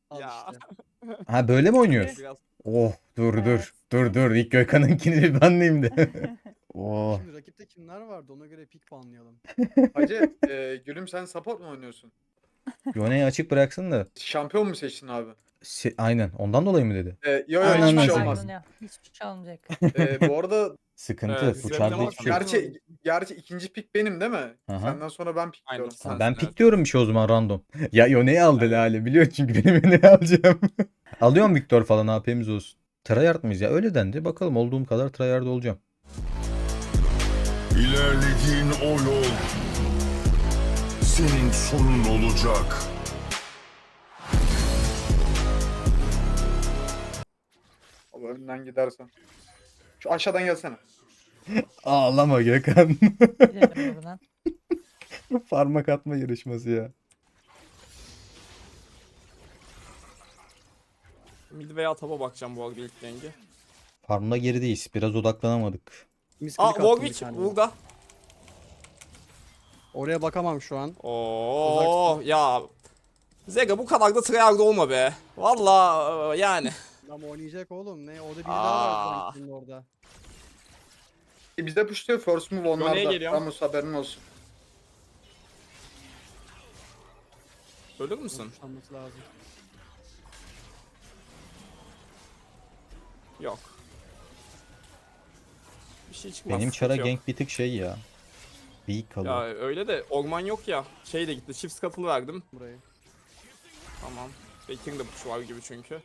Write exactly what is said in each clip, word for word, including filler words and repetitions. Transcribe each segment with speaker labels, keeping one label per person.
Speaker 1: Al
Speaker 2: Ya.
Speaker 1: işte.
Speaker 3: Ha böyle mi oynuyor?
Speaker 2: Biraz
Speaker 3: Oh dur
Speaker 4: Evet.
Speaker 3: dur. Dur dur. İlk Gökhan'ınkini bir banlayayım da. Oh.
Speaker 1: Şimdi rakipte kimler vardı ona göre pick banlayalım.
Speaker 5: Hacı e, gülüm sen support mu oynuyorsun?
Speaker 3: Yone'yi açık bıraksın da.
Speaker 5: Şampiyon mu seçtin abi?
Speaker 3: Se- Aynen. Ondan dolayı mı dedi?
Speaker 5: E, yo yo
Speaker 3: Aynen
Speaker 5: hiçbir
Speaker 3: ben
Speaker 5: şey
Speaker 3: seçtim.
Speaker 5: olmaz.
Speaker 4: Kaybını yap. Hiçbir şey olmayacak.
Speaker 5: E, bu arada
Speaker 3: Sıkıntı.
Speaker 2: Evet,
Speaker 3: Bu
Speaker 2: Zevkle
Speaker 3: çarda
Speaker 2: bak-
Speaker 3: hiçbir şey yok.
Speaker 5: gerçi gerçi ikinci pick benim değil mi?
Speaker 3: Aha.
Speaker 5: Senden sonra ben
Speaker 2: Aynen.
Speaker 5: pickliyorum.
Speaker 2: Sen-
Speaker 3: Ha, ben
Speaker 2: evet.
Speaker 3: pik diyorum bir şey o zaman random. Ya Yone'yi aldı Lale. Biliyor çünkü benim Yone'yi alacağım. Alıyorum Victor falan A P'miz olsun. Tryhard mıyız ya? Öyle dendi. Bakalım olduğum kadar tryhard olacağım.
Speaker 6: İlerlediğin o yol senin sonun olacak.
Speaker 5: Abi önden gidersen. Şu aşağıdan gelsene.
Speaker 3: Ağlama Gökhan.
Speaker 4: Gidelim buradan.
Speaker 3: Parmak atma yarışması ya.
Speaker 2: mid veya taba bakacağım bu arada ilk denge.
Speaker 3: Farmda gerideyiz. Biraz odaklanamadık.
Speaker 1: Misklik
Speaker 2: Aa
Speaker 1: attım bir
Speaker 2: Warwick
Speaker 1: tane.
Speaker 2: burada.
Speaker 1: Oraya bakamam şu an.
Speaker 2: Oo ya. Zega bu kadar da tryhard olma be. Valla yani.
Speaker 1: Ama oynayacak oğlum. Ne? Orada biri daha var
Speaker 2: Aa.
Speaker 1: Warwick'in orada.
Speaker 5: E, bizde pushluyor first move
Speaker 2: Yone'ye
Speaker 5: onlarda.
Speaker 2: geliyorum.
Speaker 5: Ramus haberin olsun.
Speaker 2: Ölür müsün?
Speaker 1: Kuşlanması lazım.
Speaker 2: Yok. Bir şey çıkmaz.
Speaker 3: Benim çara
Speaker 2: sıkıntı yok.
Speaker 3: gank bir tık şey ya. Weak
Speaker 2: Ya
Speaker 3: kalıyor.
Speaker 2: öyle de orman yok ya. Şey de gitti. Shift scuttle verdim.
Speaker 1: Burayı.
Speaker 2: Tamam. Bekir'in de push var gibi çünkü.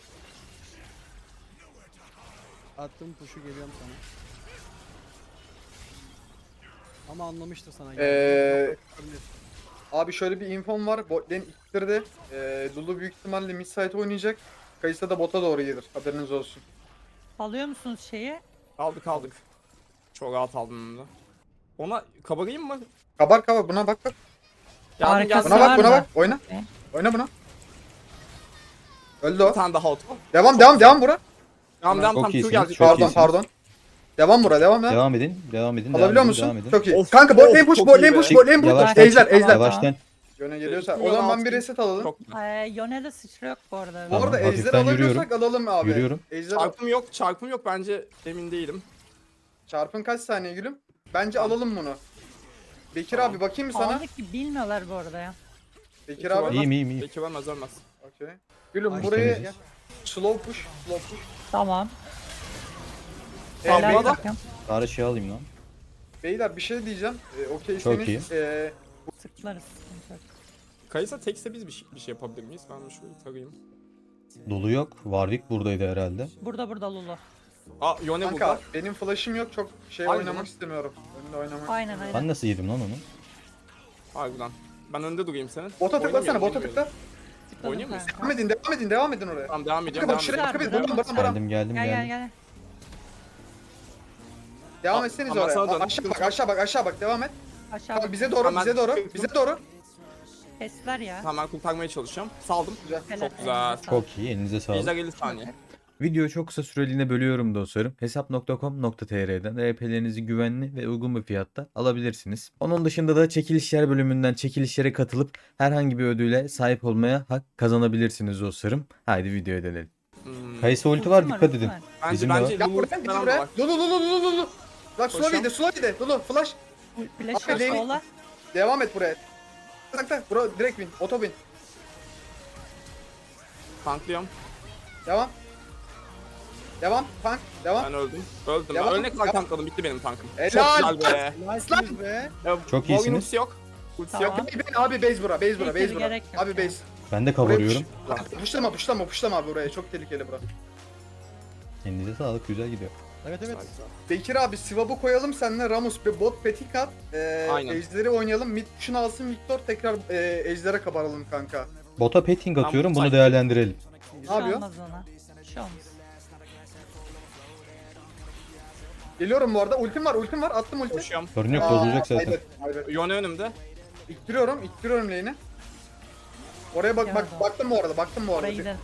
Speaker 1: Attım puşu geliyorum sana. Ama anlamıştır sana.
Speaker 5: Ee, Abi şöyle bir infom var. Bot lane ittirdi. E, Lulu büyük ihtimalle mid side oynayacak. Kayısa da bota doğru gelir. Haberiniz olsun.
Speaker 4: Alıyor musunuz şeyi?
Speaker 2: Aldık aldık. Çok rahat aldım onu da. Ona kabarayım mı?
Speaker 5: Kabar kabar buna bak bak.
Speaker 2: Geldim
Speaker 4: Arkası
Speaker 2: geldim.
Speaker 5: Buna bak
Speaker 4: var
Speaker 5: buna
Speaker 4: da.
Speaker 5: bak. Oyna.
Speaker 4: Ne?
Speaker 5: Oyna buna. Öldü
Speaker 2: Bir
Speaker 5: o.
Speaker 2: tane daha auto.
Speaker 5: Devam devam devam bura.
Speaker 2: Tamam devam
Speaker 3: Çok
Speaker 2: tam Q
Speaker 3: iyisiniz,
Speaker 2: gelecek.
Speaker 3: çok
Speaker 5: Pardon
Speaker 3: iyisiniz.
Speaker 5: pardon. Devam bura devam ya.
Speaker 3: Devam edin. Devam edin.
Speaker 5: Alabiliyor
Speaker 3: devam edin,
Speaker 5: musun?
Speaker 3: Devam edin.
Speaker 5: Çok iyi.
Speaker 2: Of,
Speaker 5: Kanka bot lane
Speaker 2: of,
Speaker 5: push,
Speaker 2: çok
Speaker 5: bot
Speaker 2: iyi
Speaker 5: lane
Speaker 2: be.
Speaker 5: push, bot lane push.
Speaker 3: Yavaş.
Speaker 5: Ejder,
Speaker 4: Tamam,
Speaker 5: ejder.
Speaker 4: tamam.
Speaker 3: Yavaştan.
Speaker 5: Yöne geliyorsa. O
Speaker 2: Üstüne
Speaker 5: zaman ben bir
Speaker 2: bastım.
Speaker 5: reset alalım.
Speaker 2: Çok güzel.
Speaker 4: Ee, Yone'de sıçra yok bu arada.
Speaker 5: Bu
Speaker 3: Tamam,
Speaker 5: arada ejder
Speaker 3: hafiften
Speaker 5: alabiliyorsak alalım abi.
Speaker 3: Yürüyorum.
Speaker 5: Ejder
Speaker 2: Çarpım yok. Çarpım yok bence emin değilim.
Speaker 5: çarpın kaç saniye gülüm? Bence
Speaker 2: Tamam.
Speaker 5: alalım bunu. Bekir
Speaker 2: Tamam.
Speaker 5: abi bakayım mı sana?
Speaker 4: Aldık ki bilmiyorlar bu arada ya.
Speaker 5: Bekir abi.
Speaker 3: İyiyim iyiyim iyiyim.
Speaker 2: Bekir ölmez ölmez.
Speaker 5: Okey. Gülüm
Speaker 1: Ay,
Speaker 5: burayı
Speaker 3: temiziz.
Speaker 5: slow push, slow push.
Speaker 4: Tamam.
Speaker 2: Tamam,
Speaker 4: Helal
Speaker 2: bu arada-
Speaker 4: bakın.
Speaker 3: Bari şey alayım lan.
Speaker 5: Beyler bir şey diyeceğim. Ee,
Speaker 3: Çok iyi.
Speaker 5: Okeyseniz ee,
Speaker 4: Sıklarız. sıkıntı yok.
Speaker 2: Kayısa tekse biz bir şey, bir şey yapabilir miyiz? Ben şöyle tarayayım.
Speaker 3: Dolu yok. Warwick buradaydı herhalde.
Speaker 4: Burada burada Lulu.
Speaker 2: Aa Yone
Speaker 5: kanka
Speaker 2: burada.
Speaker 5: benim flash'ım yok. Çok şey
Speaker 2: Aynen.
Speaker 5: oynamak istemiyorum. Önde oynamak.
Speaker 4: Aynen aynen.
Speaker 3: Ben nasıl yedim lan onu?
Speaker 2: Harbiden. Ben önde durayım senin.
Speaker 5: Bota tıklasana,
Speaker 2: Oynamıyorum,
Speaker 5: bota
Speaker 2: oynamıyorum.
Speaker 5: tıkla.
Speaker 4: Tıkladım
Speaker 2: Oynuyor muyuz?
Speaker 4: kanka.
Speaker 5: Devam edin, devam edin, devam edin oraya.
Speaker 2: Tamam devam
Speaker 5: Bakın
Speaker 2: ediyorum
Speaker 5: bak
Speaker 2: devam
Speaker 5: şuraya,
Speaker 2: ediyorum.
Speaker 5: bakın
Speaker 4: Güzel,
Speaker 5: Baran,
Speaker 4: güzel.
Speaker 5: Baran, Baran.
Speaker 3: Geldim geldim
Speaker 4: Gel gel
Speaker 3: geldim.
Speaker 4: gel.
Speaker 5: Devam
Speaker 2: Aa,
Speaker 5: etseniz
Speaker 2: ama
Speaker 5: oraya.
Speaker 2: sana dön.
Speaker 5: A- Aşağı bak, aşağı bak, aşağı bak. Devam et.
Speaker 4: Aşağı
Speaker 5: Tamam, bize doğru,
Speaker 2: Hemen
Speaker 5: bize doğru,
Speaker 2: çıktım.
Speaker 5: bize doğru.
Speaker 4: Kesler ya.
Speaker 2: Tamam ben kurtarmaya çalışacağım. Saldım.
Speaker 5: Güzel.
Speaker 4: Helal,
Speaker 2: Çok güzel.
Speaker 4: elinize sağlık.
Speaker 3: Çok iyi. Elinize sağlık.
Speaker 2: Ejder elli saniye.
Speaker 3: Videoyu çok kısa süreliğine bölüyorum dostlarım. hesap nokta com nokta tr'den E P'lerinizi güvenli ve uygun bir fiyatta alabilirsiniz. Onun dışında da çekilişler bölümünden çekilişlere katılıp herhangi bir ödüle sahip olmaya hak kazanabilirsiniz dostlarım. Haydi videoya dönelim.
Speaker 2: Hmm.
Speaker 3: Kayısı ulti var,
Speaker 4: Ultim
Speaker 3: dikkat
Speaker 4: ultim
Speaker 3: edin.
Speaker 4: var.
Speaker 2: Bence
Speaker 3: Bizim de
Speaker 2: bence
Speaker 5: Gel
Speaker 2: Lulu
Speaker 5: buraya, gel
Speaker 2: falan da
Speaker 5: buraya.
Speaker 2: var.
Speaker 5: Lulu, Lulu, Lulu, Lulu. Bak slow
Speaker 2: Koşuyorum.
Speaker 5: yedi, slow yedi. Lulu, flash.
Speaker 4: Flash
Speaker 5: Abi,
Speaker 4: yok
Speaker 5: Lane-
Speaker 4: sola.
Speaker 5: Devam et buraya. Tak tak, bura direkt win, auto win.
Speaker 2: Tanklıyorum.
Speaker 5: Devam. Devam, tank, devam.
Speaker 2: Ben öldüm. Öldüm.
Speaker 5: Devam,
Speaker 2: Ben ölene kadar
Speaker 5: devam.
Speaker 2: tankladım. Bitti benim tankım.
Speaker 5: Helal.
Speaker 2: Çok güzel be.
Speaker 1: Nice'siniz be.
Speaker 2: Ya,
Speaker 3: Çok
Speaker 2: Warwick'in
Speaker 3: iyisiniz.
Speaker 2: ultisi yok. Ultisi
Speaker 4: Tamam.
Speaker 2: yok.
Speaker 5: Ben, abi base bura, base bura, base
Speaker 4: Neyse,
Speaker 5: bura.
Speaker 4: gerek yok
Speaker 5: Abi
Speaker 4: ya.
Speaker 5: base.
Speaker 3: Ben de
Speaker 5: Buraya
Speaker 3: kavuruyorum.
Speaker 5: push- Puşlama, puşlama, puşlama abi buraya. Çok tehlikeli bura.
Speaker 3: Elinize sağlık. Güzel gidiyor.
Speaker 1: Evet evet.
Speaker 2: Güzel, güzel.
Speaker 5: Bekir abi Sivab'ı koyalım seninle Ramus bir bot petik at. Ee,
Speaker 2: Aynen.
Speaker 5: Ejder'i oynayalım. Mid push'unu alsın Victor tekrar e, Ejder'e kabaralım kanka.
Speaker 3: Bota petting
Speaker 2: Tamam,
Speaker 3: atıyorum. Bunu
Speaker 2: sakin.
Speaker 3: değerlendirelim.
Speaker 4: Bir
Speaker 5: Ne
Speaker 4: şey
Speaker 5: yapıyor?
Speaker 4: olmaz ona. Bir şey olmaz.
Speaker 5: Geliyorum bu arada. Ultim var, ultim var. Attım ulti.
Speaker 2: Koşuyorum.
Speaker 3: Sorun yok,
Speaker 5: Aa,
Speaker 3: bozulacak zaten.
Speaker 5: kaybet, kaybet.
Speaker 2: Yone önümde.
Speaker 5: İttiriyorum, ittiriyorum lane'i. Oraya bak, bak,
Speaker 4: Yardım.
Speaker 5: baktım bu arada, baktım bu arada.
Speaker 4: Oraya gidelim.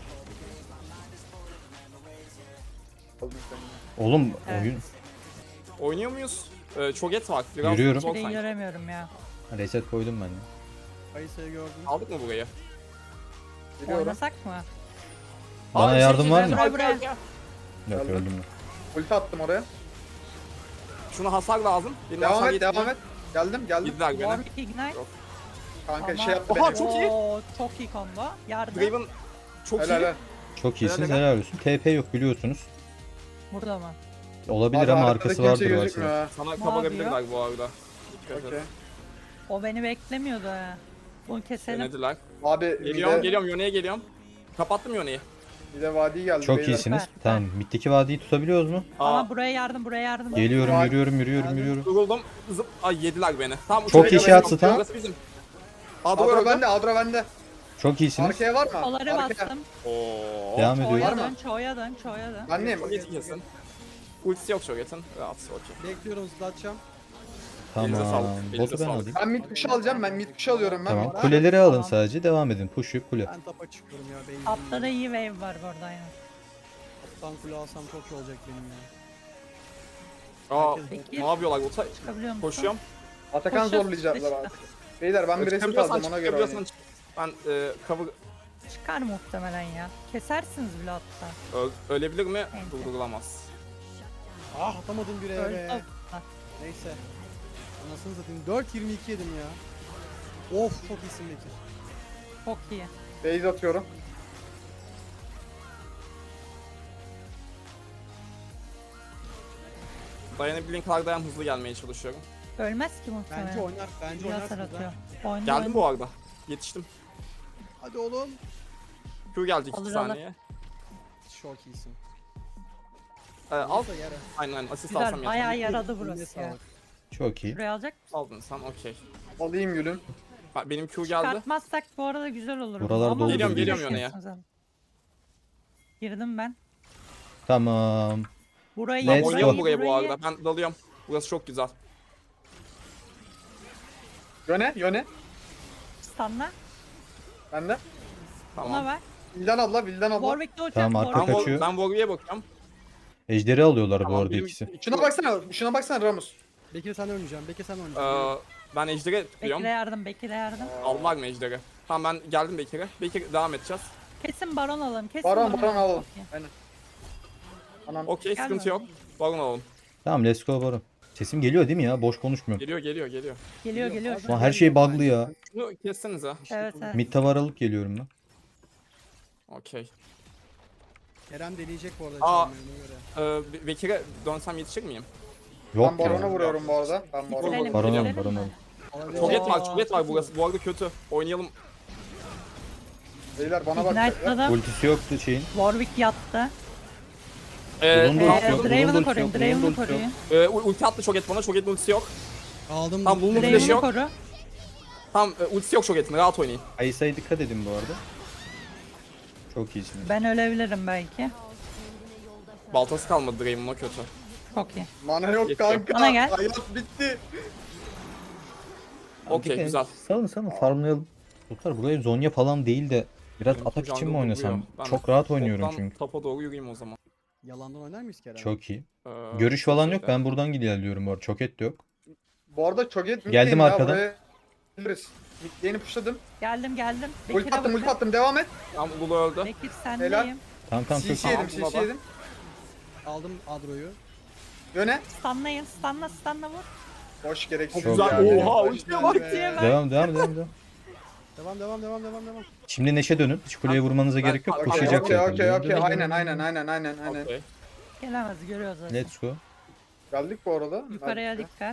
Speaker 3: Oğlum
Speaker 4: Evet.
Speaker 3: oyun
Speaker 2: Oynuyor muyuz? Ee, çok et var. Biraz
Speaker 3: Yürüyorum.
Speaker 2: zor
Speaker 4: Bir de
Speaker 2: sanki.
Speaker 4: göremiyorum ya.
Speaker 3: reset koydum ben de.
Speaker 1: Kayısayı gördüm.
Speaker 2: Aldık mı burayı?
Speaker 5: Biliyorum.
Speaker 4: Oynasak mı?
Speaker 3: Bana
Speaker 2: Abi,
Speaker 3: yardım
Speaker 2: şey-
Speaker 3: var mı?
Speaker 4: Buraya, buraya.
Speaker 2: Yok,
Speaker 3: Yok
Speaker 5: Geldim.
Speaker 3: öldüm ben.
Speaker 5: Ulti attım oraya.
Speaker 2: Şuna hasar lazım. Benim
Speaker 5: Devam
Speaker 2: hasar
Speaker 5: et
Speaker 2: yetmiyor.
Speaker 5: devam et. Geldim geldim.
Speaker 2: Yediler beni.
Speaker 4: Warwick Ignite.
Speaker 5: Kanka
Speaker 4: Ama-
Speaker 5: şey yaptı
Speaker 2: Oha,
Speaker 5: beni.
Speaker 2: çok iyi.
Speaker 4: Oo, çok iyi combo. Yardım.
Speaker 2: Draven çok
Speaker 5: Helal
Speaker 2: iyi.
Speaker 5: helal.
Speaker 3: Çok iyisiniz,
Speaker 2: Helal,
Speaker 3: helal olsun. T P yok biliyorsunuz.
Speaker 4: Burada mı?
Speaker 3: Olabilir
Speaker 5: Abi
Speaker 3: ama
Speaker 5: arkada
Speaker 3: arkası
Speaker 5: kimse
Speaker 3: vardır
Speaker 5: gözükmüyor
Speaker 3: varsa.
Speaker 5: ha.
Speaker 2: Sana
Speaker 4: Ne
Speaker 2: kapatabilirler bu arada. Dikkat et.
Speaker 5: Okey.
Speaker 4: O beni beklemiyordu ha. Bunu keselim.
Speaker 2: Denediler.
Speaker 5: Abi
Speaker 2: Geliyorum,
Speaker 5: bir de,
Speaker 2: geliyorum. Yone'ye geliyorum. Kapattım Yone'yi.
Speaker 5: bir de vadi geldi.
Speaker 3: Çok
Speaker 5: beyler.
Speaker 3: iyisiniz.
Speaker 4: Süper.
Speaker 3: Tamam. Middeki vadiyi tutabiliyoruz mu?
Speaker 2: Aa,
Speaker 4: Ama buraya yardım, buraya yardım.
Speaker 3: Geliyorum,
Speaker 5: Vadi-
Speaker 3: yürüyorum, yürüyorum,
Speaker 1: Geldim.
Speaker 3: yürüyorum.
Speaker 2: duruldum. Zıp. Ay yediler beni. Tamam.
Speaker 3: Çok
Speaker 2: uçuraya
Speaker 3: iyi
Speaker 2: gelin.
Speaker 3: şey attı,
Speaker 2: Burası bizim. Adro
Speaker 5: Adro
Speaker 2: öldü.
Speaker 5: bende Adro bende.
Speaker 3: Çok iyisiniz.
Speaker 5: Arkaya var mı?
Speaker 4: Kolları
Speaker 5: Arkaya.
Speaker 4: bastım.
Speaker 2: Oo.
Speaker 3: Devam
Speaker 4: Çoğuya
Speaker 3: ediyoruz.
Speaker 5: Var
Speaker 4: dön,
Speaker 5: mı?
Speaker 4: çoğuya dön, çoğuya dön.
Speaker 5: Annem.
Speaker 2: Shoget'i kesin. Ultisi yok Shoget'in. Rahat, okey.
Speaker 1: Bekliyorum zıplatacağım.
Speaker 2: Elinize
Speaker 3: Tamam.
Speaker 2: sağlık, elinize
Speaker 3: Botu ben
Speaker 2: sağlık.
Speaker 3: alayım.
Speaker 5: Ben mid push alacağım. Ben mid push alıyorum ben.
Speaker 3: Tamam.
Speaker 5: mid-
Speaker 3: Kuleleri alın
Speaker 4: Tamam.
Speaker 3: sadece. Devam edin. Push yok kule.
Speaker 1: Ben tapa çıkıyorum ya. Beyzim.
Speaker 4: Altta da iyi wave var burada aynen.
Speaker 1: Kaptan kule alsam çok iyi olacak benim ya.
Speaker 2: Aa,
Speaker 4: Peki.
Speaker 2: ne yapıyorlar? Ota
Speaker 4: Çıkabiliyor musun?
Speaker 2: koşuyorum.
Speaker 5: Atakan
Speaker 4: Koşuyor,
Speaker 5: zorlayacaklar abi.
Speaker 4: işte.
Speaker 5: Beyler ben bir resim
Speaker 2: Çıkabiliyorsan
Speaker 5: aldım ona
Speaker 2: çık,
Speaker 5: göre
Speaker 2: çıkabiliyorsan
Speaker 5: oynayayım.
Speaker 2: çık. Ben e, cover
Speaker 4: Çıkar muhtemelen ya. Kesersiniz bile hatta.
Speaker 2: ö- ölebilir mi?
Speaker 4: Neyse.
Speaker 2: Durdurulamaz.
Speaker 1: Ah atamadım bir
Speaker 4: Öldü.
Speaker 1: eve. Neyse. Anasını satayım. dört yirmi iki yedim ya. Of çok iyisin Bekir.
Speaker 4: Çok iyi.
Speaker 5: Base atıyorum.
Speaker 2: Dayanabildiğin kadar dayan, hızlı gelmeye çalışıyorum.
Speaker 4: Ölmez ki muhtemelen.
Speaker 1: Bence oynar. Bence
Speaker 4: İyi hasar
Speaker 1: oynarsınız
Speaker 4: atıyor.
Speaker 1: ha.
Speaker 4: Oyna,
Speaker 2: Geldim
Speaker 4: oyna.
Speaker 2: bu arada. Yetiştim.
Speaker 1: Hadi oğlum.
Speaker 2: Q geldi iki
Speaker 4: Alır, alır.
Speaker 2: saniye.
Speaker 1: Çok iyisin.
Speaker 2: Ee, al.
Speaker 1: Alsa yere.
Speaker 2: Aynen aynen. Asist alsam
Speaker 4: Güzel,
Speaker 2: yeter.
Speaker 4: bayağı yaradı
Speaker 1: Eline
Speaker 4: burası ya.
Speaker 1: sağlık.
Speaker 3: Çok iyi.
Speaker 4: Şuraya alacak mısın?
Speaker 2: Aldın sen, okey.
Speaker 5: Alayım gülüm.
Speaker 2: Bak, benim Q geldi.
Speaker 4: Çıkartmazsak bu arada güzel olur.
Speaker 3: Buralar
Speaker 4: Ama
Speaker 3: doludur
Speaker 2: Geliyorum,
Speaker 3: diye
Speaker 2: geliyorum
Speaker 4: düşünüyorsunuz abi. Girdim ben.
Speaker 3: Tamam.
Speaker 4: Burayı
Speaker 3: Let's
Speaker 2: Tamam, oynayalım
Speaker 3: go.
Speaker 2: buraya bu arada. Ben dalıyorum. Burası çok güzel.
Speaker 5: Yöne yöne.
Speaker 4: Stunla.
Speaker 5: Bende.
Speaker 4: Buna
Speaker 2: Tamam.
Speaker 4: ver.
Speaker 5: Vildan abla Vildan abla.
Speaker 4: Warwick de uçak.
Speaker 3: Tamam, arka
Speaker 2: Ben,
Speaker 4: Warwick.
Speaker 2: Vol-
Speaker 3: kaçıyor.
Speaker 2: ben Warwick'e bakıyorum.
Speaker 3: Ejderi alıyorlar bu
Speaker 2: Tamam,
Speaker 3: arada
Speaker 2: benim-
Speaker 3: ikisi.
Speaker 5: Şuna baksana. Şuna baksana Ramus.
Speaker 1: Bekir sen oynayacağım. Bekir sen
Speaker 2: Ee,
Speaker 1: oynayacaksın.
Speaker 2: ben Ejder'e tutuyorum.
Speaker 4: Bekir'e yardım, Bekir'e yardım.
Speaker 2: Aldılar mı Ejder'e? Tamam, ben geldim Bekir'e. Bekir, devam edeceğiz.
Speaker 4: Kesin baron alalım. Kesin
Speaker 5: Baron baron alalım.
Speaker 4: Çok iyi.
Speaker 5: Aynen. Anam.
Speaker 2: Okey,
Speaker 4: Gel
Speaker 2: sıkıntı
Speaker 4: bana.
Speaker 2: yok. Baron alalım.
Speaker 3: Tamam let's go Baron. Sesim geliyor değil mi ya? Boş konuşmuyorum.
Speaker 2: Geliyor, geliyor, geliyor.
Speaker 4: Geliyor geliyor.
Speaker 1: Abi,
Speaker 4: şu an.
Speaker 3: Ulan her şey bug'lı ya.
Speaker 2: Şunu kessenize.
Speaker 4: Evet evet.
Speaker 3: Mid tower alıp geliyorum ben.
Speaker 2: Okey.
Speaker 1: Kerem deneyecek bu arada.
Speaker 2: Aa.
Speaker 1: çalmayı, ona göre.
Speaker 2: Ee, Be- Bekir'e dönsem yetişir miyim?
Speaker 3: Yok
Speaker 5: Ben Baron'a
Speaker 3: ya.
Speaker 5: vuruyorum bu arada. Ben Baron'a
Speaker 4: Bitirelim,
Speaker 3: Baron alın,
Speaker 4: bitirelim
Speaker 3: Baron
Speaker 4: mi?
Speaker 3: alın.
Speaker 1: Olabilir.
Speaker 2: Çoget var,
Speaker 4: Oo,
Speaker 2: çoget var
Speaker 1: çok iyi.
Speaker 2: burası. Bu arada kötü. Oynayalım.
Speaker 5: Beyler bana bak.
Speaker 4: Ignite'ladım.
Speaker 3: Ultisi yoktu şeyin.
Speaker 4: Warwick yattı.
Speaker 2: Ee,
Speaker 3: Bunun da
Speaker 2: tamam,
Speaker 3: ultisi
Speaker 4: Ee,
Speaker 3: yok, bunun da
Speaker 4: Draven'ı
Speaker 3: ultisi
Speaker 4: koruyun,
Speaker 3: yok, bunun da
Speaker 4: Draven'ı
Speaker 3: ultisi yok.
Speaker 4: koruyun.
Speaker 2: Ee, u- ulti attı Çoget bana. Çoget'in ultisi yok.
Speaker 1: Aldım.
Speaker 2: Tamam, bunun flash'i
Speaker 4: Draven'ı
Speaker 2: yok.
Speaker 4: koru.
Speaker 2: Tamam, e, ultisi yok Çoget'in. Rahat oynayın.
Speaker 3: Ayısa'ya dikkat edin bu arada. Çok iyisiniz.
Speaker 4: Ben ölebilirim belki.
Speaker 2: Baltası kalmadı Draven'ın, o kötü.
Speaker 4: Çok iyi.
Speaker 5: Mana yok
Speaker 2: Geçiyor.
Speaker 5: kanka.
Speaker 4: Bana gel.
Speaker 5: Hayat bitti.
Speaker 2: Okey,
Speaker 3: Hadi
Speaker 2: güzel.
Speaker 3: Salın salın farmlayalım. Çocuklar buraya Zonya falan değil de biraz
Speaker 2: Benim
Speaker 3: atak için
Speaker 2: jungle
Speaker 3: mi oynasam?
Speaker 2: duruyor. Ben
Speaker 3: Çok rahat oynuyorum
Speaker 2: Toptan
Speaker 3: çünkü.
Speaker 2: Topa doğru yürüyeyim o zaman.
Speaker 1: Yalandan oynar mıyız Kerem?
Speaker 3: Çok iyi.
Speaker 2: Ee,
Speaker 3: Görüş falan yok.
Speaker 2: şeyde.
Speaker 3: Ben buradan gidiyorum bu arada. Çoket de yok.
Speaker 5: Bu arada çok et
Speaker 3: Geldim arkadan.
Speaker 5: Biliriz. Midlane'i pushladım.
Speaker 4: Geldim geldim.
Speaker 5: Ulti
Speaker 4: Bekir'e
Speaker 5: attım ulti
Speaker 4: bakın.
Speaker 5: attım devam et.
Speaker 2: Tamam, Lulu öldü.
Speaker 4: Bekir
Speaker 5: Helal.
Speaker 4: sendeyim.
Speaker 3: Tamam tamam çok
Speaker 5: C C
Speaker 3: iyi.
Speaker 5: yedim
Speaker 2: Tamam,
Speaker 5: C C
Speaker 2: baba.
Speaker 5: yedim.
Speaker 1: Aldım Adro'yu.
Speaker 5: Yöne.
Speaker 4: Stunlayın. Stunla stunla vur.
Speaker 5: Boş gereksiz.
Speaker 3: Çok
Speaker 2: Güzel.
Speaker 3: iyi.
Speaker 2: Oha,
Speaker 1: Hoş
Speaker 2: ultiye
Speaker 1: geldin
Speaker 2: bak.
Speaker 1: be.
Speaker 4: Ultiye bak.
Speaker 3: Devam devam devam devam.
Speaker 1: Devam devam devam devam devam.
Speaker 3: Şimdi Neşe dönün. Hiç kuleye vurmanıza
Speaker 2: Ben-
Speaker 3: gerek yok.
Speaker 2: Okey,
Speaker 3: Koşacak
Speaker 5: Okey
Speaker 3: zaten.
Speaker 5: okey okey.
Speaker 3: Dön, dön,
Speaker 5: Aynen
Speaker 3: dön,
Speaker 5: aynen
Speaker 3: dön.
Speaker 5: aynen aynen aynen.
Speaker 2: Okey.
Speaker 4: Gelemez görüyoruz zaten.
Speaker 3: Let's go.
Speaker 5: Geldik bu arada.
Speaker 4: Yukarıya
Speaker 5: Geldik.
Speaker 4: dikkat.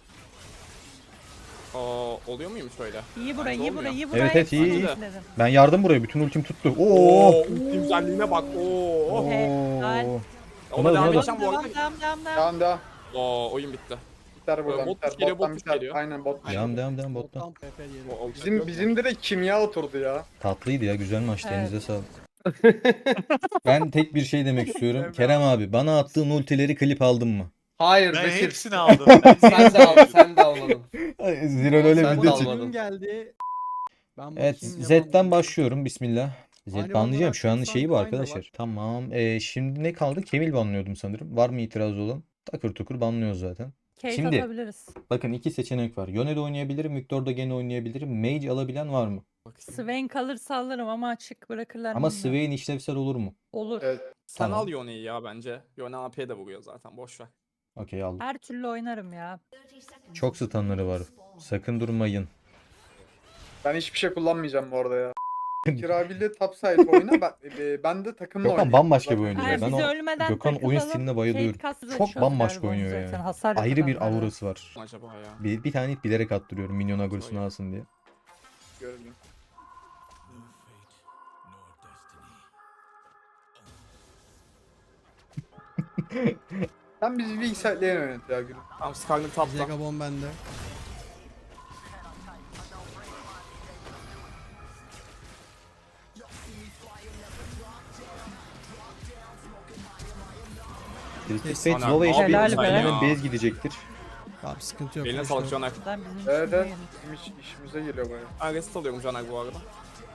Speaker 2: Aa, oluyor muymuş öyle?
Speaker 4: İyi burayı, iyi
Speaker 2: Olmuyor.
Speaker 4: burayı, iyi burayı.
Speaker 3: Evet, evet, iyi,
Speaker 2: iyi.
Speaker 4: Dedim.
Speaker 3: Ben yardım buraya. Bütün ultim tuttu. Oo.
Speaker 2: Oo, ulti güzelliğine bak. Oo.
Speaker 4: Helal.
Speaker 3: Oo.
Speaker 2: Ona
Speaker 3: Buna-
Speaker 2: devam
Speaker 3: buna-
Speaker 2: edeceğim bu
Speaker 4: Devam,
Speaker 2: arada.
Speaker 4: devam, devam, devam.
Speaker 5: Devam devam.
Speaker 2: Oo, oyun bitti.
Speaker 5: Biter buradan
Speaker 2: Bot
Speaker 5: biter.
Speaker 2: geliyor,
Speaker 5: Bottan
Speaker 2: bot
Speaker 5: biter.
Speaker 2: geliyor.
Speaker 5: Aynen bot.
Speaker 3: Devam devam devam bottan.
Speaker 1: Bottan P P yeri.
Speaker 2: O- olacak
Speaker 5: Bizim
Speaker 2: yok.
Speaker 5: bizim direkt kimya oturdu ya.
Speaker 3: Tatlıydı ya. Güzel maçtı.
Speaker 4: Evet.
Speaker 3: Elinize sağlık. Ben tek bir şey demek istiyorum. Kerem abi bana attığın ultileri klip aldın mı?
Speaker 7: Hayır
Speaker 8: Ben
Speaker 7: Bekir.
Speaker 8: hepsini aldım.
Speaker 7: Sen de al, sen de almadın.
Speaker 3: Zirol öyle
Speaker 7: Sen
Speaker 3: video
Speaker 7: de
Speaker 3: çek.
Speaker 7: almadın.
Speaker 1: Oyun geldi. Ben
Speaker 3: Evet
Speaker 1: bakayım,
Speaker 3: Z'den
Speaker 1: yalan-
Speaker 3: başlıyorum. Bismillah. Z
Speaker 1: Aynı
Speaker 3: banlayacağım.
Speaker 1: banlar
Speaker 3: Şu an
Speaker 1: atıyorsan
Speaker 3: şeyi bu
Speaker 1: aynı
Speaker 3: arkadaşlar.
Speaker 1: var.
Speaker 3: Tamam. Ee, şimdi ne kaldı? Kemil banlıyordum sanırım. Var mı itirazı olan? Takır tukur banlıyoruz zaten.
Speaker 4: Case
Speaker 3: Şimdi-
Speaker 4: atabiliriz.
Speaker 3: Bakın iki seçenek var. Yone'de oynayabilirim. Victor'da gene oynayabilirim. Mage alabilen var mı?
Speaker 4: Swain kalırsa alırım ama açık bırakırlar
Speaker 3: Ama
Speaker 4: bilmiyorum.
Speaker 3: Swain işlevsel olur mu?
Speaker 4: Olur.
Speaker 5: Evet.
Speaker 2: Sen
Speaker 3: Tamam.
Speaker 2: al Yone'yi ya bence. Yone A P'ye de vuruyor zaten boş ver.
Speaker 3: Okey aldım.
Speaker 4: Her türlü oynarım ya.
Speaker 3: Çok stunları var. Sakın durmayın.
Speaker 5: Ben hiçbir şey kullanmayacağım bu arada ya. Kirabil'de top side oyna. Ben, e, ben de takımla
Speaker 3: Gökhan
Speaker 5: oynayayım.
Speaker 3: bambaşka bir oyuncu
Speaker 4: Hayır,
Speaker 3: ya. Ben
Speaker 4: bizi
Speaker 3: o
Speaker 4: ölmeden
Speaker 3: Gökhan oyun
Speaker 4: takılalım,
Speaker 3: stiline
Speaker 4: Kate
Speaker 3: bayılıyorum.
Speaker 4: Castle
Speaker 3: Çok
Speaker 4: açıyoruz
Speaker 3: bambaşka
Speaker 4: galiba
Speaker 3: oynuyor
Speaker 4: zaten,
Speaker 3: ya.
Speaker 4: hasar yok
Speaker 3: Ayrı bir
Speaker 4: adamlarda.
Speaker 3: aurası var.
Speaker 2: Acaba ya.
Speaker 3: Bir, bir tane bilerek attırıyorum minyon agrosunu alsın diye.
Speaker 5: Gördüm. Sen bizi bir saatleyen oynat ya gülüm.
Speaker 2: Tamam Skarner tapta.
Speaker 1: Zegabon bende.
Speaker 3: Twisted
Speaker 1: Kes.
Speaker 3: Fate
Speaker 2: Ana,
Speaker 3: low
Speaker 2: ne
Speaker 3: H P
Speaker 4: yapıyorsun sen
Speaker 3: hemen
Speaker 2: ya?
Speaker 3: base gidecektir.
Speaker 1: Tamam sıkıntı yok.
Speaker 2: Eline
Speaker 1: boş
Speaker 2: sağlık
Speaker 1: ver.
Speaker 2: Caner.
Speaker 4: Ben bizim
Speaker 5: Evet
Speaker 4: işimize
Speaker 5: evet.
Speaker 4: gelir.
Speaker 5: Bizim iş, işimize geliyor baya.
Speaker 2: Ben reset alıyorum Caner bu arada.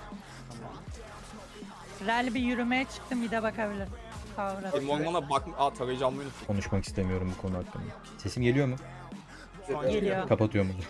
Speaker 4: Rally bir yürümeye çıktım, bir de bakabilirim. Kavra.
Speaker 2: Benim ormana bak... Aa tarayıcı almayı unuttum.
Speaker 3: Konuşmak istemiyorum bu konu hakkında. Sesim geliyor mu?
Speaker 2: Şu an
Speaker 5: Geliyor.
Speaker 4: Geliyor.
Speaker 3: Kapatıyorum onu.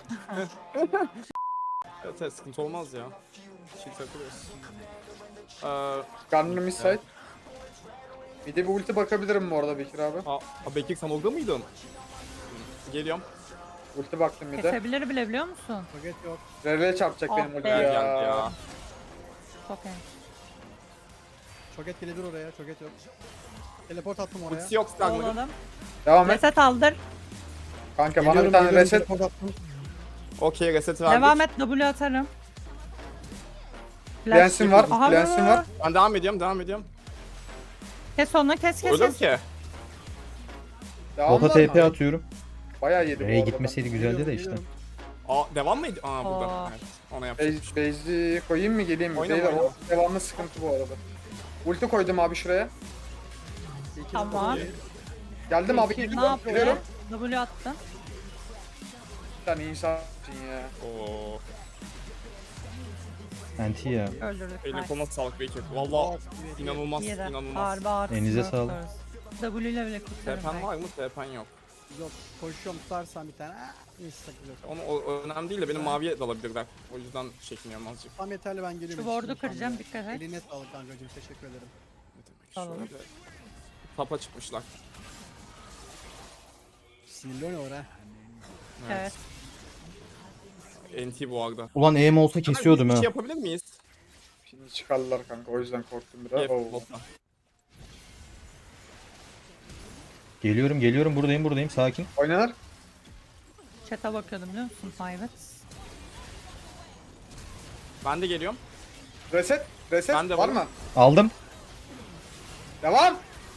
Speaker 2: Evet evet sıkıntı olmaz ya. Şey takılıyoruz. Ee,
Speaker 5: Gunner mid-side. Bir de bir ulti bakabilirim bu arada Bekir abi.
Speaker 2: aa, aa, Bekir sen orada mıydın? Geliyorum.
Speaker 5: Ulti baktım bir de.
Speaker 4: Kesebilir bile biliyor musun?
Speaker 1: Paket yok.
Speaker 5: Rev'e çarpacak
Speaker 4: Ah
Speaker 5: benim ulti
Speaker 4: be.
Speaker 5: ya.
Speaker 2: Geldi ya.
Speaker 4: Çok iyi.
Speaker 1: Çoket gelebilir oraya. Çoket yok. Teleport attım oraya.
Speaker 2: Ultisi yok Skarner'ın.
Speaker 4: Olalım.
Speaker 5: Devam et.
Speaker 4: Reset aldır.
Speaker 5: Kanka bana
Speaker 1: Geliyorum,
Speaker 5: bir tane
Speaker 1: geliyorum,
Speaker 5: reset.
Speaker 1: teleport attım.
Speaker 2: Okey reset verdik.
Speaker 4: Devam et, W atarım. Flash.
Speaker 5: Lensin var.
Speaker 4: Aha.
Speaker 5: Lensin var.
Speaker 2: Ben devam ediyorum devam ediyorum.
Speaker 4: Kes onu, kes kes
Speaker 2: Öldüm
Speaker 4: kes.
Speaker 2: ki.
Speaker 5: Devam
Speaker 3: Bota
Speaker 5: var
Speaker 3: T P
Speaker 5: mı?
Speaker 3: atıyorum.
Speaker 5: Bayağı yedi bu
Speaker 3: R'ye
Speaker 5: arada.
Speaker 3: gitmeseydi güzeldi de
Speaker 1: Geliyorum,
Speaker 3: işte.
Speaker 1: geliyorum.
Speaker 2: Aa devam mıydı? Aa burada.
Speaker 4: Aa.
Speaker 2: Evet. Ona yapacağım.
Speaker 5: Base, base'i koyayım mı geleyim mi?
Speaker 2: Oyna,
Speaker 5: Beyler
Speaker 2: oyna.
Speaker 5: o devamlı sıkıntı bu arada. Ulti koydum abi şuraya.
Speaker 1: İki
Speaker 4: Tamam.
Speaker 1: dakika.
Speaker 5: Geldim abi.
Speaker 4: Peki, ne
Speaker 5: Geliyorum.
Speaker 4: yapıyor?
Speaker 5: Geliyorum.
Speaker 4: W attın.
Speaker 5: Bir tane insansın ya.
Speaker 2: Oo.
Speaker 3: Anti ya.
Speaker 4: Öldürdük.
Speaker 2: Eline
Speaker 4: Nice.
Speaker 2: koluna sağlık Bekir. Valla inanılmaz
Speaker 4: İyi de.
Speaker 2: inanılmaz.
Speaker 4: Harbi ağır.
Speaker 3: Elinize
Speaker 4: tutuyoruz.
Speaker 3: sağlık.
Speaker 4: W ile bile kurtarırım.
Speaker 2: T P'n
Speaker 4: belki.
Speaker 2: var mı? T P'n yok.
Speaker 1: Yok. Koşuyorum tutarsan bir tane. Ah, neyse takılıyor.
Speaker 2: Onu o, o önemli değil de benim maviye dalabilirler. O yüzden çekiniyorum azıcık.
Speaker 1: Tam yeterli ben geliyorum.
Speaker 4: Şu board'u
Speaker 1: Şimdi
Speaker 4: kıracağım,
Speaker 1: tam
Speaker 4: dikkat et.
Speaker 1: Eline sağlık kankacığım. Teşekkür ederim.
Speaker 2: Ne demek
Speaker 4: Tamam.
Speaker 2: şöyle. Tapa çıkmışlar.
Speaker 1: Sinirli oynuyor ha.
Speaker 4: Evet.
Speaker 2: N T bu arada.
Speaker 3: Ulan E M olsa kesiyordum
Speaker 2: Bir
Speaker 3: ha.
Speaker 2: şey yapabilir miyiz?
Speaker 5: Şimdi çıkardılar kanka o yüzden korktum biraz.
Speaker 2: Gel
Speaker 5: Oo.
Speaker 2: botta.
Speaker 3: Geliyorum geliyorum buradayım buradayım sakin.
Speaker 5: Oynanar.
Speaker 4: Chat'e bakıyordum biliyor musun? Evet.
Speaker 2: Ben de geliyorum.
Speaker 5: Reset. Reset.
Speaker 2: Ben de
Speaker 5: var
Speaker 2: varım.
Speaker 5: mı?
Speaker 3: Aldım.
Speaker 5: Devam.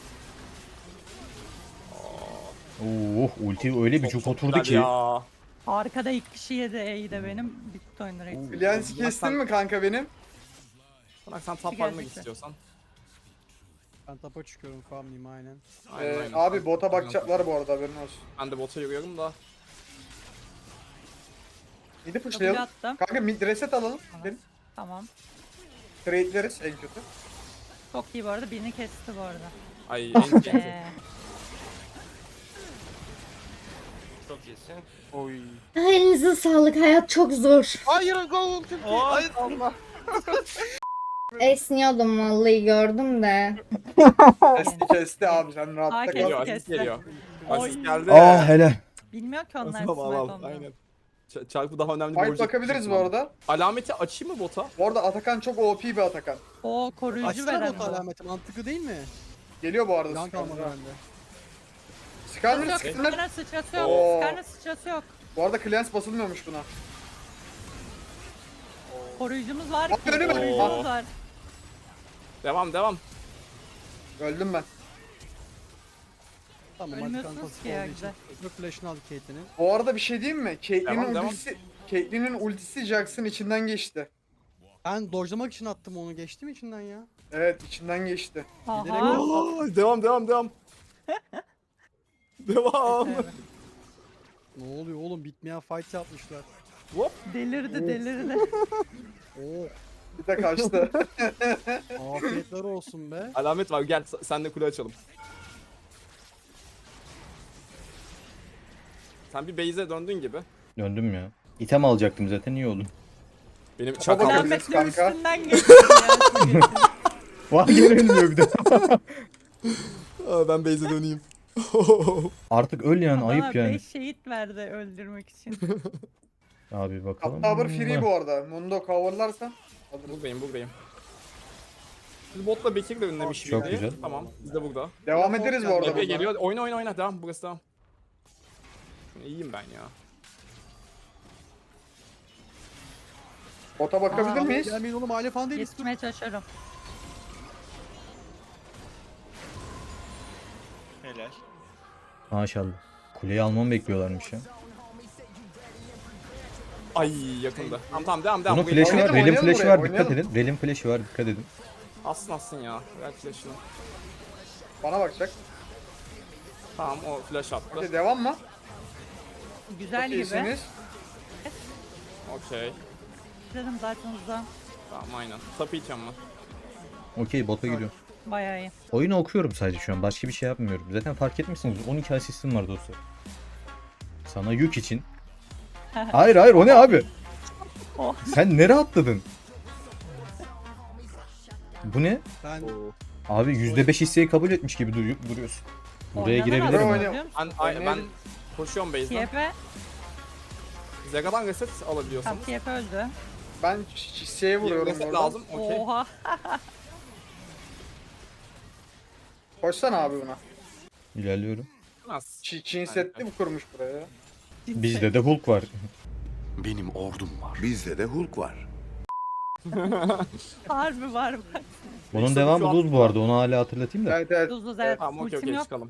Speaker 3: Oh ulti öyle bir
Speaker 2: Çok-
Speaker 3: cuk
Speaker 2: çok
Speaker 3: oturdu
Speaker 2: güzel
Speaker 3: ki.
Speaker 2: Ya.
Speaker 4: Arkada ilk kişi yedi E'yi de benim. Bitti oyun direkt.
Speaker 5: Lens kestin mi kanka benim?
Speaker 2: Bırak sen tap
Speaker 4: Gelecek
Speaker 2: almak
Speaker 4: de.
Speaker 2: istiyorsan.
Speaker 1: Ben tapa çıkıyorum farmlayayım aynen.
Speaker 2: Aynen,
Speaker 5: Ee,
Speaker 2: aynen.
Speaker 5: abi
Speaker 2: Sen-
Speaker 5: bota bakacaklar bu arada haberin olsun.
Speaker 2: Ben de bota yürüyorum da.
Speaker 5: Midi
Speaker 4: W
Speaker 5: pushlayalım.
Speaker 4: attım.
Speaker 5: Kanka mid reset alalım.
Speaker 4: Tamam.
Speaker 5: Gelin.
Speaker 4: Tamam.
Speaker 5: Trade'leriz en kötü.
Speaker 4: Çok iyi bu arada. Birini kesti bu arada.
Speaker 2: Ay N T.
Speaker 4: Ee,
Speaker 7: Çok iyisin.
Speaker 2: Oy.
Speaker 8: Elinize sağlık. Hayat çok zor.
Speaker 1: Hayır gol.
Speaker 2: Hayır Allah.
Speaker 8: Esniyordum vallahi gördüm de.
Speaker 5: Kesti kesti abi sen rahatta
Speaker 4: Aa,
Speaker 5: kal.
Speaker 4: kesti.
Speaker 2: Geliyor asist
Speaker 4: kesti.
Speaker 2: geliyor.
Speaker 4: Oy.
Speaker 2: Asist geldi.
Speaker 3: Ah hele.
Speaker 4: bilmiyor ki onlar
Speaker 2: Tamam,
Speaker 4: smite
Speaker 2: al,
Speaker 4: olduğunu.
Speaker 2: aynen. Ç- Çarpı daha önemli bir
Speaker 5: Fight
Speaker 2: objektif
Speaker 5: bakabiliriz bu
Speaker 2: tamam.
Speaker 5: arada.
Speaker 2: Alameti açayım mı bota?
Speaker 5: Bu arada Atakan çok O P bir Atakan.
Speaker 4: O koruyucu
Speaker 1: Açsana
Speaker 4: veren
Speaker 1: bot
Speaker 4: bu.
Speaker 1: alameti mantıklı değil mi?
Speaker 5: Geliyor bu arada.
Speaker 1: Yan kalmadı bende.
Speaker 5: Skarner
Speaker 4: Yok,
Speaker 5: Skarner.
Speaker 4: Skarner sıçrası yok.
Speaker 5: Oo.
Speaker 4: Skarner sıçrası yok.
Speaker 5: Bu arada Clans basılmıyormuş buna.
Speaker 4: Koruyucumuz var
Speaker 5: Bak,
Speaker 4: ki.
Speaker 5: önüme-
Speaker 4: Koruyucumuz var.
Speaker 2: Devam devam.
Speaker 5: Öldüm ben.
Speaker 1: Tamam
Speaker 4: Ölmüyorsunuz
Speaker 1: hadi kanka
Speaker 4: ki ya,
Speaker 1: olduğu için.
Speaker 4: güzel.
Speaker 1: Öbür flash'ını aldı Caitlyn'in.
Speaker 5: Bu arada bir şey diyeyim mi?
Speaker 2: Devam,
Speaker 5: Caitlyn'in
Speaker 2: devam.
Speaker 5: ultisi, Caitlyn'in ultisi Jax'ın içinden geçti.
Speaker 1: Ben dojlamak için attım onu geçtim içinden ya.
Speaker 5: Evet içinden geçti.
Speaker 4: Aha.
Speaker 2: Aa, devam devam devam. devam.
Speaker 4: Evet.
Speaker 1: Ne oluyor oğlum bitmeyen fight yapmışlar.
Speaker 2: Hop.
Speaker 4: Delirdi delirdi.
Speaker 1: Oo
Speaker 5: Bir de kaçtı.
Speaker 1: afiyetler olsun be.
Speaker 2: Alamet var gel s- sen de kule açalım. Sen bir base'e döndün gibi.
Speaker 3: Döndüm ya. İtem alacaktım zaten iyi oldu.
Speaker 2: Benim
Speaker 5: Baba
Speaker 2: çakal.
Speaker 5: bakabiliriz
Speaker 4: Rahmetli
Speaker 5: kanka.
Speaker 4: üstünden geçti ya.
Speaker 3: Vay gene ölmüyor bir de.
Speaker 2: Aa, ben base'e döneyim.
Speaker 3: Artık öl yani
Speaker 4: Bana
Speaker 3: ayıp yani.
Speaker 4: beş şehit verdi öldürmek için.
Speaker 3: Abi bakalım.
Speaker 5: Tower free bu arada. Mundo coverlarsan alırız.
Speaker 2: Buradayım buradayım. Biz botla Bekir de önlemiş
Speaker 3: Çok
Speaker 2: birdi.
Speaker 3: güzel.
Speaker 2: Tamam biz de burada.
Speaker 5: Devam ederiz bu arada.
Speaker 2: Epey
Speaker 5: bunlara.
Speaker 2: geliyor. Oyna oyna oyna. Devam burası devam. İyiyim ben ya.
Speaker 5: Bota bakabilir
Speaker 4: Aa,
Speaker 5: miyiz?
Speaker 1: Gelmeyin oğlum aile falan değiliz. Dur.
Speaker 4: Yetişmeye çalışıyorum.
Speaker 7: Helal.
Speaker 3: Maşallah. Kuleyi almamı bekliyorlarmış ya.
Speaker 2: Ay yakında. Tamam tamam devam devam.
Speaker 3: Bunun
Speaker 2: Burayı-
Speaker 3: flash'ı var.
Speaker 5: Oynayalım,
Speaker 3: Rel'in
Speaker 5: oynayalım
Speaker 3: flash'ı
Speaker 5: buraya,
Speaker 3: var. Dikkat
Speaker 5: oynayalım.
Speaker 3: edin. Rel'in flash'ı var. Dikkat edin.
Speaker 2: Assın assın ya. Ver flash'ını.
Speaker 5: Bana bakacak.
Speaker 2: Tamam o flash attı.
Speaker 5: Okey devam mı?
Speaker 4: Güzel
Speaker 5: Çok
Speaker 4: gibi.
Speaker 5: iyisiniz.
Speaker 2: Okey.
Speaker 4: Dedim zaten uzağım.
Speaker 2: Tamam aynen. Tapı içeceğim ben.
Speaker 3: Okey bota gidiyorum.
Speaker 4: Bayağı iyi.
Speaker 3: Oyunu okuyorum sadece şu an. Başka bir şey yapmıyorum. Zaten fark etmişsiniz. on iki asistim var dostlar. Sana yük için. Hayır hayır o ne abi?
Speaker 4: Oh.
Speaker 3: Sen nereye atladın? Bu ne?
Speaker 1: Ben
Speaker 3: Abi yüzde beş hisseyi kabul etmiş gibi duruyor, duruyorsun. Buraya
Speaker 4: Oynanan
Speaker 3: girebilirim
Speaker 4: adam
Speaker 3: ama.
Speaker 5: Oynuyor.
Speaker 4: biliyor musun?
Speaker 2: Ben, ay, ben
Speaker 5: Oynayalım.
Speaker 2: koşuyorum base'den.
Speaker 4: T F,
Speaker 2: Zega'dan reset
Speaker 4: tam
Speaker 2: alabiliyorsanız.
Speaker 4: T F öldü.
Speaker 5: Ben şişeye vuruyorum
Speaker 2: Reset
Speaker 5: orada.
Speaker 2: lazım. Okey.
Speaker 4: Oha.
Speaker 5: Koşsana abi buna.
Speaker 3: İlerliyorum.
Speaker 2: Nasıl?
Speaker 5: Çin, Çin setli mi kurmuş buraya?
Speaker 3: Bizde de Hulk var.
Speaker 6: Benim ordum var. Bizde de Hulk var.
Speaker 4: Harbi var bak.
Speaker 3: Bunun
Speaker 2: İşte
Speaker 3: devamı
Speaker 2: şu an-
Speaker 3: Luz bu arada. Onu hala hatırlatayım da.
Speaker 5: Evet evet.
Speaker 4: Duz duz evet.
Speaker 2: Tamam okey
Speaker 4: Ultim
Speaker 2: okey
Speaker 4: yok.
Speaker 2: çıkalım.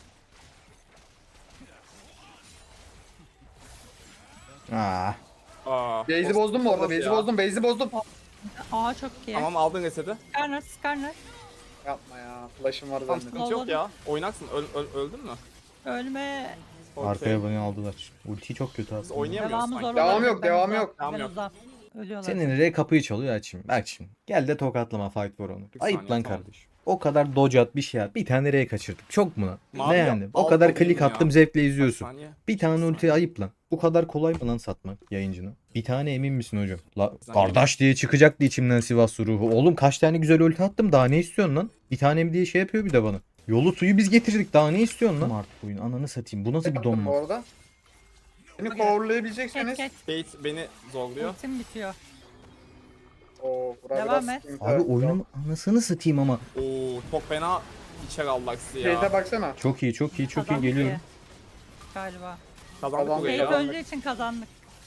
Speaker 3: Aa.
Speaker 2: Aa,
Speaker 5: Base'i
Speaker 2: boss-
Speaker 5: bozdum mu orada?
Speaker 2: olmaz
Speaker 5: Base'i
Speaker 2: ya.
Speaker 5: bozdum. Base'i bozdum.
Speaker 4: Aa çok iyi.
Speaker 2: Tamam aldın reseti.
Speaker 4: Skarner, Skarner.
Speaker 5: Yapma ya. Flash'ım var
Speaker 2: Tamam
Speaker 5: zannettim.
Speaker 2: sıkıntı yok ya. Oynaksın. Öl, öl- öldün mü?
Speaker 4: Ölme.
Speaker 2: Okey.
Speaker 3: Arkaya beni aldılar. Ulti çok kötü
Speaker 2: Biz
Speaker 3: abi.
Speaker 2: oynayamıyoruz
Speaker 4: Devamı
Speaker 2: sanki.
Speaker 4: zor
Speaker 5: Devam
Speaker 4: olabilir,
Speaker 5: yok,
Speaker 4: ben
Speaker 5: devam
Speaker 4: uzağım.
Speaker 5: yok.
Speaker 2: Devam
Speaker 4: Ben
Speaker 2: yok.
Speaker 4: uzağım. Ölüyorlar.
Speaker 3: Senin R kapıyı çalıyor açayım. Bak şimdi. Gel de tokatlama fight for onu.
Speaker 2: Bir
Speaker 3: Ayıp
Speaker 2: saniye,
Speaker 3: lan
Speaker 2: tamam.
Speaker 3: kardeş. O kadar dodge at bir şey at. Bir tane R kaçırdık. Çok mu lan?
Speaker 2: Mavi
Speaker 3: ne
Speaker 2: yap,
Speaker 3: yani? O
Speaker 2: al
Speaker 3: kadar
Speaker 2: bakayım
Speaker 3: klik
Speaker 2: ya.
Speaker 3: attım zevkle
Speaker 2: Bir
Speaker 3: izliyorsun.
Speaker 2: saniye.
Speaker 3: Bir tane
Speaker 2: saniye.
Speaker 3: ulti ayıp lan. Bu kadar kolay mı lan satmak yayıncına? Bir tane emin misin hocam? La,
Speaker 2: saniye.
Speaker 3: kardeş diye çıkacaktı içimden Sivas ruhu. Oğlum kaç tane güzel ulti attım daha ne istiyorsun lan? Bir tanem diye şey yapıyor bir de bana. Yolu suyu biz getirdik daha ne istiyorsun lan? Artık oyun ananı satayım. Bu nasıl bir
Speaker 5: Yaptım bu
Speaker 3: donma?
Speaker 5: arada. Beni
Speaker 4: Geç
Speaker 5: coverlayabilecekseniz.
Speaker 4: geç.
Speaker 2: Bait beni zorluyor.
Speaker 4: Ultim bitiyor.
Speaker 5: Oo, bura
Speaker 4: Devam
Speaker 5: biraz
Speaker 4: et.
Speaker 5: sıkıntı.
Speaker 3: Abi oyunun anasını satayım ama.
Speaker 2: Oo çok fena içer aldık sizi ya.
Speaker 5: Base'e baksana.
Speaker 3: Çok iyi çok iyi çok iyi
Speaker 4: Kazandık
Speaker 3: geliyorum.
Speaker 4: ki. Galiba.
Speaker 2: Kazandık
Speaker 5: Kazandık.
Speaker 2: burayı
Speaker 4: Kate
Speaker 2: ya.
Speaker 4: öldüğü için kazandık.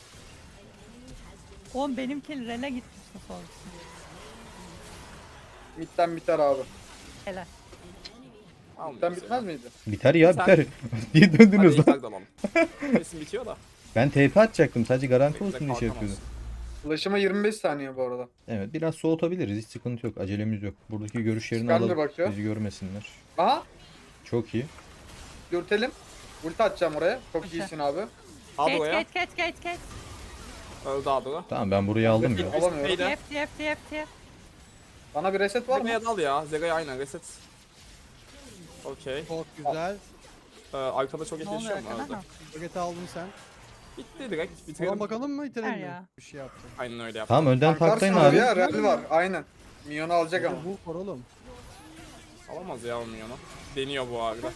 Speaker 4: Oğlum benimki rele gitmişti sonra.
Speaker 5: Mid'den biter abi.
Speaker 4: Helal.
Speaker 5: Mid'den bitmez miydi?
Speaker 3: Biter ya
Speaker 2: Sen-
Speaker 3: biter. Niye döndünüz
Speaker 2: Hadi
Speaker 3: lan?
Speaker 2: ilk alalım. Kesin bitiyor da.
Speaker 3: Ben T P atacaktım sadece garanti
Speaker 2: Bekle,
Speaker 3: olsun diye şey
Speaker 2: kalkamaz.
Speaker 3: yapıyordum.
Speaker 5: Flash'ıma yirmi beş saniye bu arada.
Speaker 3: Evet biraz soğutabiliriz hiç sıkıntı yok acelemiz yok. Buradaki görüşlerini
Speaker 5: Scanner
Speaker 3: alalım
Speaker 5: bakıyor.
Speaker 3: bizi görmesinler.
Speaker 5: Aha.
Speaker 3: Çok iyi.
Speaker 5: Dürtelim. Ulti atacağım oraya. Çok
Speaker 4: Okey.
Speaker 5: iyisin abi.
Speaker 2: Al
Speaker 4: Geç
Speaker 2: buraya.
Speaker 4: geç geç geç geç.
Speaker 2: Öldü Adro.
Speaker 3: Tamam ben burayı aldım ya.
Speaker 5: Alamıyorum.
Speaker 2: Neydi?
Speaker 4: T F T F T F T F.
Speaker 5: Bana bir reset var mı?
Speaker 2: Zega'ya dal ya. Zega'ya aynen reset. Okey.
Speaker 1: çok güzel.
Speaker 2: Ee, arkada çok
Speaker 4: Ne oluyor
Speaker 2: yetişiyor mu?
Speaker 4: arkada?
Speaker 2: Öldü.
Speaker 4: Ha.
Speaker 1: Paketi aldın sen.
Speaker 2: Bitti direkt.
Speaker 1: Tamam
Speaker 2: Bitirelim.
Speaker 1: bakalım mı itelim
Speaker 4: Ver
Speaker 1: mi?
Speaker 4: ya.
Speaker 1: Bir şey yaptı.
Speaker 2: Aynen öyle yap.
Speaker 3: Tamam önden
Speaker 5: Tanklarsın
Speaker 3: taktayın
Speaker 5: abi
Speaker 3: abi.
Speaker 5: ya. Rally var. Aynen. Minyonu alacak ama.
Speaker 1: Bu var oğlum.
Speaker 2: Alamaz ya olmuyor onu. Deniyor bu arada.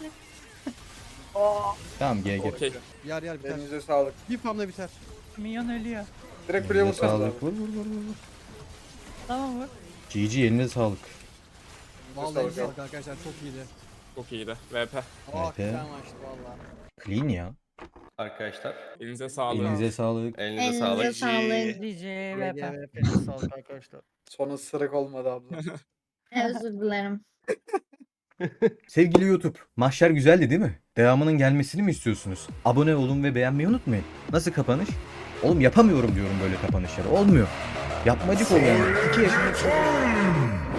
Speaker 3: Tamam G G.
Speaker 2: Okey.
Speaker 1: Yer yer biter.
Speaker 5: Elinize sağlık.
Speaker 1: Bir farmla biter.
Speaker 4: Minyon ölüyor.
Speaker 5: Direkt kuleye
Speaker 3: Elinize
Speaker 5: vursanız abi.
Speaker 3: sağlık. Vur vur vur vur.
Speaker 4: Tamam vur.
Speaker 3: G G eline sağlık.
Speaker 1: Vallahi
Speaker 5: sağlık
Speaker 1: sağlık arkadaşlar çok iyiydi.
Speaker 2: Çok iyiydi. V P.
Speaker 1: Aa
Speaker 3: Evet,
Speaker 1: güzel
Speaker 3: evet.
Speaker 1: maçtı valla.
Speaker 3: Clean ya.
Speaker 7: Arkadaşlar
Speaker 2: Elinize sağlık.
Speaker 3: Elinize sağlık.
Speaker 7: elinize,
Speaker 8: Elinize
Speaker 7: sağlık.
Speaker 8: sağlık.
Speaker 4: D J V P.
Speaker 1: Hepinize sağlık arkadaşlar.
Speaker 5: Sonu sırık olmadı abla.
Speaker 8: Özür dilerim.
Speaker 3: Sevgili YouTube, mahşer güzeldi değil mi? Devamının gelmesini mi istiyorsunuz? Abone olun ve beğenmeyi unutmayın. Nasıl kapanış? Oğlum yapamıyorum diyorum böyle kapanışları. Olmuyor. Yapmacık oluyor. Yani. İki yaşında